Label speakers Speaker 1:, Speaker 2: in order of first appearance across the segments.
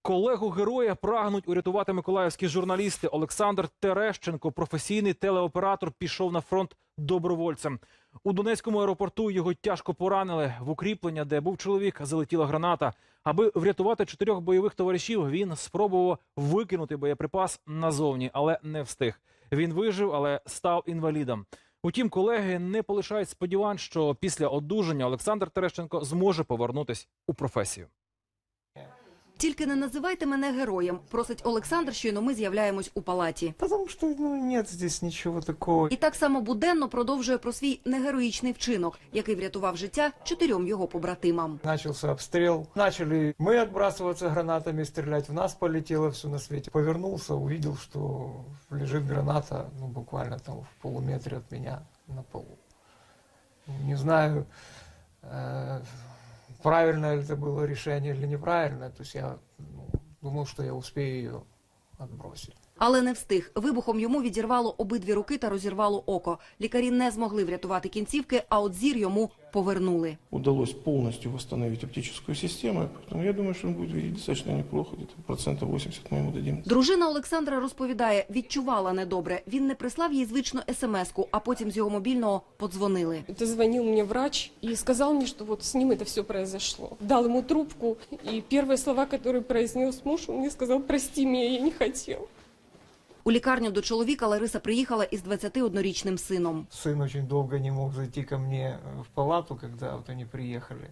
Speaker 1: Колегу героя прагнуть урятувати миколаївські журналісти. Олександр Терещенко, професійний телеоператор, пішов на фронт добровольцем. У Донецькому аеропорту його тяжко поранили. В укріплення, де був чоловік, залетіла граната. Аби врятувати 4 бойових товаришів, він спробував викинути боєприпас назовні, але не встиг. Він вижив, але став інвалідом. Утім, колеги не полишають сподівань, що після одужання Олександр Терещенко зможе повернутися у професію.
Speaker 2: «Тільки не називайте мене героєм», – просить Олександр, щойно ми з'являємось у палаті.
Speaker 3: Потому что, нет здесь ничего такого.
Speaker 2: І так само буденно продовжує про свій негероїчний вчинок, який врятував життя 4 його побратимам.
Speaker 3: Начался обстрел. Начали мы отбрасываться гранатами, стрелять. В нас полетело все на свете. Повернулся, увидел, что лежит граната, буквально там в полуметре от меня на полу. Не знаю, правильное ли это было решение или неправильное. То есть я думал, что я успею ее отбросить.
Speaker 2: Але не встиг. Вибухом йому відірвало обидві руки та розірвало око. Лікарі не змогли врятувати кінцівки, а от зір йому повернули.
Speaker 4: Удалось полностью восстановить оптическую систему, поэтому я думаю, что он будет видеть достаточно неплохо, где-то 80% мы ему дадим.
Speaker 2: Дружина Олександра розповідає, відчувала недобре. Він не прислав їй звичну смс-ку, а потім з його мобільного подзвонили.
Speaker 5: Дозвонил мне врач и сказал мне, что вот с ним это все произошло. Дал ему трубку, и первые слова, которые произнес муж, он мне сказал: «Прости меня, я не хотел».
Speaker 2: У лікарню до чоловіка Лариса приїхала із 21-річним сином.
Speaker 3: Сын очень долго не мог зайти ко мне в палату, когда вот они приехали.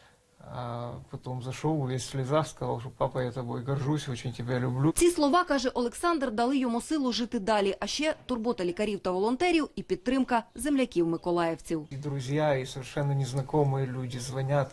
Speaker 3: А потом зашел, весь в слезах, сказал, что папа, я тобой горжусь, очень тебя люблю.
Speaker 2: Ці слова, каже Олександр, дали йому силу жити далі, а ще турбота лікарів та волонтерів і підтримка земляків-миколаївців.
Speaker 3: И друзья, и совершенно незнакомые люди звонят,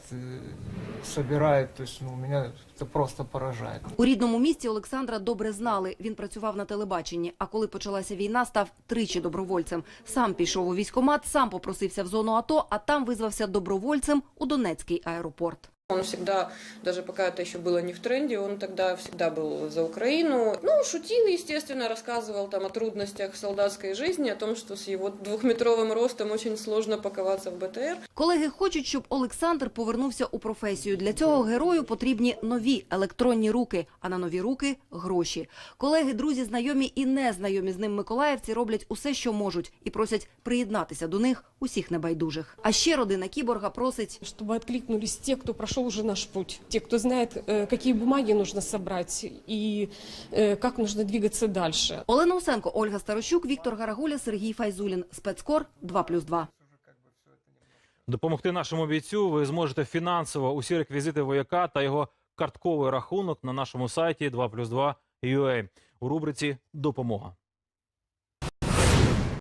Speaker 3: собирают, то есть меня это просто поражает.
Speaker 2: У рідному місті Олександра добре знали. Він працював на телебаченні, а коли почалася війна, став тричі добровольцем. Сам пішов у військкомат, сам попросився в зону АТО, а там визвався добровольцем у Донецький аеропорт.
Speaker 6: Он всегда, даже пока это еще было не в тренде, он тогда всегда был за Украину. Шутил, естественно, рассказывал там о трудностях солдатской жизни, о том, что с его 2-метровым ростом очень сложно паковаться в БТР.
Speaker 2: Колеги хочуть, щоб Олександр повернувся у професію. Для цього герою потрібні нові електронні руки, а на нові руки – гроші. Колеги, друзі, знайомі і незнайомі з ним миколаївці роблять усе, що можуть, і просять приєднатися до них усіх небайдужих. А ще родина кіборга просить,
Speaker 5: Чтобы откликнулись те, кто прошел уже наш путь, те, кто знает, какие бумаги нужно собрать и как нужно двигаться дальше.
Speaker 2: Олена Усенко, Ольга Старощук, Віктор Гарагуля, Сергій Файзулін. Спецкор 2+2.
Speaker 1: Допомогти нашому бійцю ви зможете фінансово. Усі реквізити вояка та його картковий рахунок на нашому сайті 2+2.ua у рубриці «Допомога».